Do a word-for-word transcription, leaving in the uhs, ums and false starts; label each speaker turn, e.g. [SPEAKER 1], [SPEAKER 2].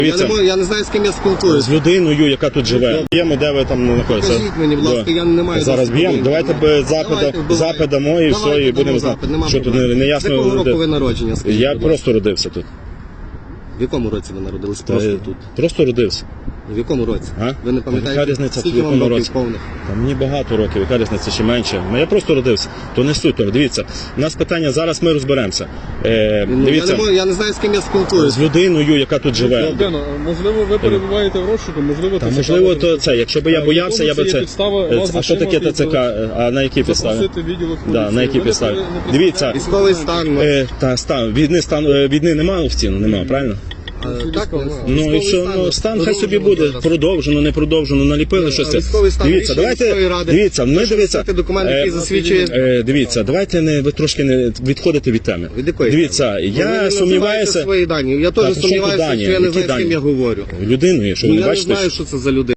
[SPEAKER 1] Я не, можу, я не знаю, з ким я спілкуюся.
[SPEAKER 2] З людиною, яка тут живе. Б'ємо, де ви там знаходитеся.
[SPEAKER 1] Скажіть мені, будь ласка, я не маю...
[SPEAKER 2] Зараз б'ємо. Давайте без запита, запит дамо і все, і будемо знати. Що тут не, не ясно.
[SPEAKER 1] З якого року ви народження, скажіть,
[SPEAKER 2] Я
[SPEAKER 1] будь
[SPEAKER 2] просто родився тут.
[SPEAKER 1] В якому році ви народились?
[SPEAKER 2] Та,
[SPEAKER 1] Просто тут.
[SPEAKER 2] Просто родився.
[SPEAKER 1] В якому році?
[SPEAKER 2] А?
[SPEAKER 1] Ви не
[SPEAKER 2] Яка
[SPEAKER 1] пам'ятаєте,
[SPEAKER 2] різниця, в
[SPEAKER 1] скільки
[SPEAKER 2] якому
[SPEAKER 1] вам років
[SPEAKER 2] році?
[SPEAKER 1] повних?
[SPEAKER 2] Та мені багато років, яка різниця, чи менше. Ну я просто родився. То не суть того. Дивіться, у нас питання, зараз ми розберемося. Е,
[SPEAKER 1] Ну,
[SPEAKER 2] дивіться,
[SPEAKER 1] я, не можу, я не знаю, з ким я спілкуюся.
[SPEAKER 2] з людиною, яка тут живе.
[SPEAKER 3] Богдано, можливо, ви перебуваєте в розшуку, можливо,
[SPEAKER 2] Та
[SPEAKER 3] ТЦК
[SPEAKER 2] можливо,
[SPEAKER 3] вас
[SPEAKER 2] то це. Якщо б я
[SPEAKER 3] А,
[SPEAKER 2] боявся, я би
[SPEAKER 3] це є
[SPEAKER 2] це.
[SPEAKER 3] підстава
[SPEAKER 2] Е,
[SPEAKER 3] вас
[SPEAKER 2] А що таке
[SPEAKER 3] затримати,
[SPEAKER 2] ТЦК? А на якій підставі?
[SPEAKER 3] запросити відділок
[SPEAKER 2] Да,
[SPEAKER 3] поліції.
[SPEAKER 2] на якій
[SPEAKER 3] Ви
[SPEAKER 2] підставі?
[SPEAKER 3] не представляєте-
[SPEAKER 2] Дивіться,
[SPEAKER 1] Військовий стан. ну,
[SPEAKER 2] Е, та стан війни стан е, війни немає офіційно, немає, правильно?
[SPEAKER 1] е, Так,
[SPEAKER 2] Ну і що, ну стан хай собі буде продовжено, не продовжено, наліпили щось.
[SPEAKER 1] військовий стан,
[SPEAKER 2] Дивіться,
[SPEAKER 1] рішення
[SPEAKER 2] давайте
[SPEAKER 1] міської ради.
[SPEAKER 2] дивіться, ми дивіться.
[SPEAKER 1] Це документ, який
[SPEAKER 2] е,
[SPEAKER 1] засвідчує.
[SPEAKER 2] е, Дивіться, давайте не ви трошки не відходите від теми.
[SPEAKER 1] Від якої
[SPEAKER 2] Дивіться,
[SPEAKER 1] теми? Ви
[SPEAKER 2] я
[SPEAKER 1] не
[SPEAKER 2] сумніваюся
[SPEAKER 1] називаєте свої дані. Я
[SPEAKER 2] Та,
[SPEAKER 1] теж
[SPEAKER 2] при чому тут
[SPEAKER 1] сумніваюся,
[SPEAKER 2] дані?
[SPEAKER 1] що я не
[SPEAKER 2] Які
[SPEAKER 1] знаю, з ким
[SPEAKER 2] дані?
[SPEAKER 1] я говорю.
[SPEAKER 2] людиною, що ви
[SPEAKER 1] Ну,
[SPEAKER 2] не
[SPEAKER 1] я не
[SPEAKER 2] бачите.
[SPEAKER 1] знаю, що це за людина.